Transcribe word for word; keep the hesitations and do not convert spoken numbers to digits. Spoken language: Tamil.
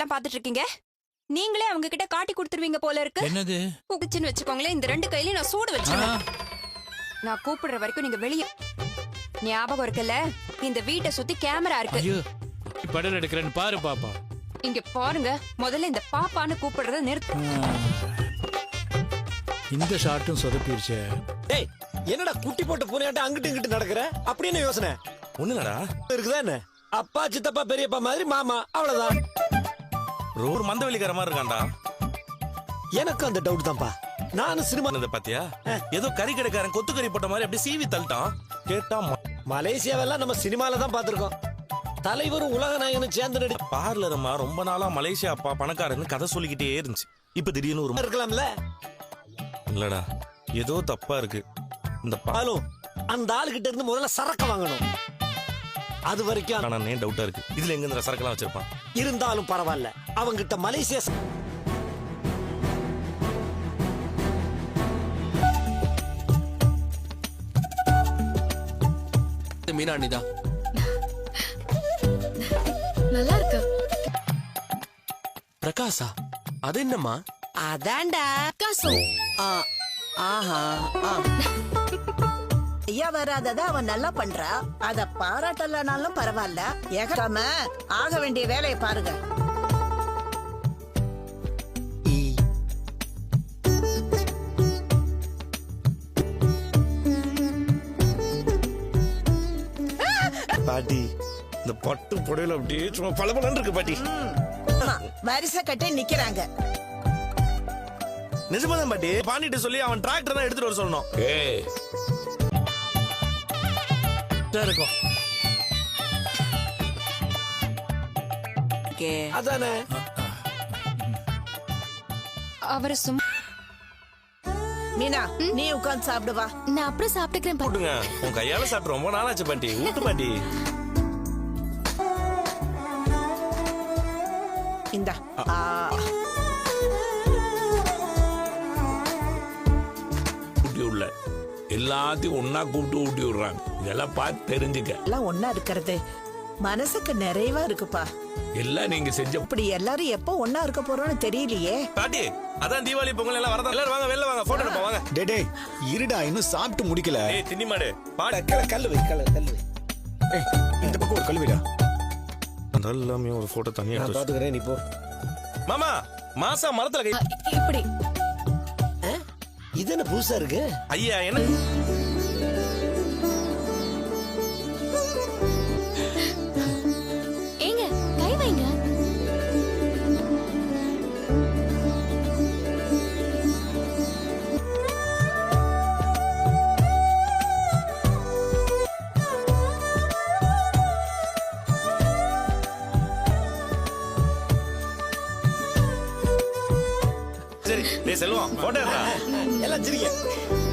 வேலையெல்லாம் பாத்துட்டு இருக்கீங்க? நீங்களே அவங்க கிட்ட காட்டி கொடுத்துருவீங்க போல இருக்கு. என்னது கூப்பிச்சுன்னு வச்சுக்கோங்களேன், இந்த ரெண்டு கையிலயும் நான் சூடு வச்சிருவேன். நான் கூப்பிடுற வரைக்கும் நீங்க வெளியே. ஞாபகம் இருக்குல்ல, இந்த வீட்டை சுத்தி கேமரா இருக்கு. ஐயோ படம் எடுக்கிறேன்னு பாரு பாப்பா. இங்க பாருங்க, முதல்ல இந்த பாப்பான்னு கூப்பிடுறத நிறுத்து. இந்த ஷாட்டும் சொதப்பிருச்சே. டேய் என்னடா குட்டி போட்ட பூனையாட்ட அங்கிட்டு இங்கிட்டு நடக்கிற? அப்படி என்ன யோசனை? ஒண்ணுலடா இருக்குதா என்ன? அப்பா சித்தப்பா பெரியப்பா மாதிரி மாமா, அவ்வளவுதான். ஒரு மந்தவெளிக்கார மாதிரி இருக்கான்டா. எனக்கு அந்த டவுட் தான்ப்பா. நானும் சினிமா பாத்தியா, ஏதோ கறி கடைக்காரன் கொத்து கறி போட்ட மாதிரி அப்படியே சீவி தள்ளிட்டான். கேட்டா மலேசியாவெல்லாம் நம்ம சினிமால தான் பாத்துருக்கோம். தலைவரும் உலக நாயகனும் சேர்ந்து நடி பார்லர் அம்மா ரொம்ப நாளா மலேசியா அப்பா பணக்காரன்னு கதை சொல்லிக்கிட்டே இருந்துச்சு. இப்ப திடீர்னு ஒரு இருக்கலாம்ல. இல்லடா ஏதோ தப்பா இருக்கு. இந்த பாலும் அந்த ஆளுகிட்ட இருந்து முதல்ல சரக்கு வாங்கணும். அது வரைக்கும் பாலே டவுட்டா இருக்கு. இதுல எங்க இந்த சரக்கெல்லாம் வச்சிருப்பான்? இருந்தாலும் பரவாயில்ல, அவங்கிட்ட மலேசியா மீனா அண்ணிதா நல்லா இருக்கு. பிரகாசா அது என்னம்மா? அதான்டா காசம். ஆ, ஆஹா ஆ. ஐயா வராதத அவன் நல்லா பண்றா. அத பாராட்டலனாலும் பரவாயில்ல. ஏகாம ஆக வேண்டிய வேலையை பாருங்க. பாட்டி இந்த பட்டு புடையில அப்படியே சும்மா பளபளன்னு இருக்கு பாட்டி. ஆமா, வரிசை கட்டி நிக்கிறாங்க. நிஜமாதான் பாட்டி. பாண்டிட்ட சொல்லி அவன் டிராக்டர் தான் எடுத்துட்டு வர சொல்லணும். ஏய் இருக்கும். அதானே அவரு சும்மா. மீனா நீ உட்கார்ந்து சாப்பிடு வா. நான் அப்புறம் சாப்பிட்டுக்கிறேன். போட்டுங்க, உன் கையால சாப்பிட்டு ரொம்ப நாளாச்சு பாட்டி. ஊட்டு பாட்டி. இந்தா. ஆ. ஊட்டி உள்ள எல்லாத்தையும் ஒன்னா கூப்பிட்டு ஊட்டி விடுறாங்க. இதெல்லாம் பார்த்து தெரிஞ்சுக்க. எல்லாம் ஒன்னா இருக்கிறது மனசுக்கு நிறைவா இருக்குப்பா. எல்லாம் நீங்க செஞ்ச இப்படி எல்லாரும் எப்போ ஒன்னா இருக்க போறோம்னு தெரியலையே. பாட்டி அதான் தீபாவளி பொங்கல் எல்லாம் வரதா. எல்லாரும் வாங்க வெளில வாங்க, போட்டோ எடுப்போம் வாங்க. டே டே இருடா, இன்னும் சாப்பிட்டு முடிக்கல. ஏய் தின்னி மாடு பாடு. கல்லு வை, கல்லு கல்லு வை. ஏய் இந்த பக்கம் ஒரு கழுவிடா. எல்லாமே ஒரு போட்டோ தனியா நான் எடுத்து பாத்துக்கிறேன், நீ போ. மாமா மாசா மரத்துல கை. இப்படி இது என்ன புதுசா இருக்கு? ஐயா என்ன ஏங்க கை வைங்க. சரி டேய் செல்வம் போட்டோ எடுடா. எல்லாம் சிரிக்க.